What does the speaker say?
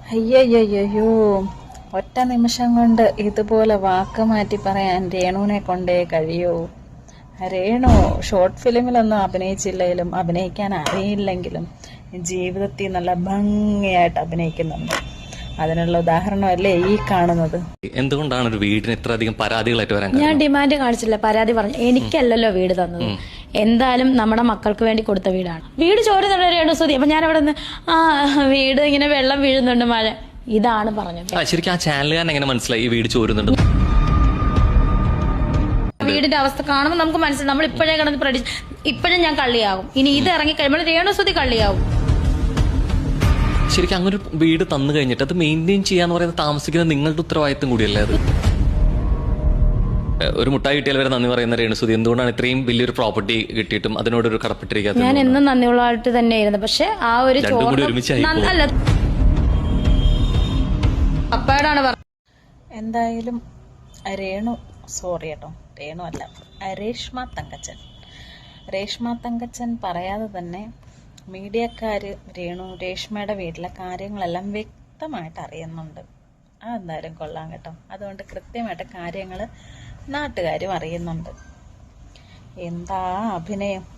അയ്യയ്യോ, ഒറ്റ നിമിഷം കൊണ്ട് ഇതുപോലെ വാക്ക് മാറ്റി പറയാൻ രേണുവിനെ കൊണ്ടേ കഴിയൂ. രേണു ഷോർട്ട് ഫിലിമിലൊന്നും അഭിനയിച്ചില്ലെങ്കിലും അഭിനയിക്കാൻ അറിയില്ലെങ്കിലും ജീവിതത്തിൽ നല്ല ഭംഗിയായിട്ട് അഭിനയിക്കുന്നുണ്ട്. അതിനുള്ള ഉദാഹരണമല്ലേ ഈ കാണുന്നത്. എന്തുകൊണ്ടാണ് ഒരു വീടിന് ഇത്ര അധികം പരാതികളായിട്ട് വരാൻ? ഞാൻ ഡിമാൻഡ് കാണിച്ചില്ല, പരാതി പറഞ്ഞു. എനിക്കല്ലല്ലോ വീട് തന്നത്, എന്തായാലും നമ്മുടെ മക്കൾക്ക് വേണ്ടി കൊടുത്ത വീടാണ്. വീട് ചോരുന്നുണ്ട് രേണുസുതി. അപ്പൊ ഞാൻ അവിടെ നിന്ന് വീട് ഇങ്ങനെ വെള്ളം വീഴുന്നുണ്ട്, മഴ, ഇതാണ് പറഞ്ഞത്. ശരിക്കും ആ ചാനലുകാരൻ എങ്ങനെ മനസ്സിലായി ഈ വീട് ചോരുന്നുണ്ട്? വീടിന്റെ അവസ്ഥ കാണുമ്പോൾ നമുക്ക് മനസ്സിലായി. നമ്മൾ ഇപ്പോഴേ കിടന്ന് ഇപ്പോഴും ഞാൻ കള്ളിയാകും. ഇനി ഇത് ഇറങ്ങി കഴിയുമ്പോൾ രേണുസുതി കള്ളിയാവും. ശരിക്കും അങ്ങനെ ഒരു വീട് തന്നു കഴിഞ്ഞിട്ട് അത് മെയിൻറ്റെയിൻ ചെയ്യാന്ന് പറയുന്നത് താമസിക്കുന്ന നിങ്ങളുടെ ഉത്തരവാദിത്വം കൂടിയല്ലേ അത്? ഒരു മുട്ടായി കിട്ടിയാൽ വരെ നന്ദി പറയുന്ന രേണുസുതി എന്തുകൊണ്ടാണ് ഇത്രയും വലിയൊരു പ്രോപ്പർട്ടി കിട്ടിയിട്ടും അതിനോടൊരു കടപ്പെട്ടിരിക്കാത്തത്? ഞാൻ എന്നും നന്ദിയുള്ളതായിട്ട് തന്നെയായിരുന്നു. പക്ഷെ ആ ഒരു അല്ല, അപ്പാടാണ് പറഞ്ഞത്. എന്തായാലും സോറി കേട്ടോ, രേണു അല്ല, രേഷ്മ തങ്കച്ചൻ പറയാതെ തന്നെ മീഡിയക്കാര് രേഷ്മയുടെ വീട്ടിലെ കാര്യങ്ങളെല്ലാം വ്യക്തമായിട്ട് അറിയുന്നുണ്ട്. അതെന്തായാലും കൊള്ളാം കേട്ടോ. അതുകൊണ്ട് കൃത്യമായിട്ട് കാര്യങ്ങൾ നാട്ടുകാരും അറിയുന്നുണ്ട്. എന്താ അഭിനയം!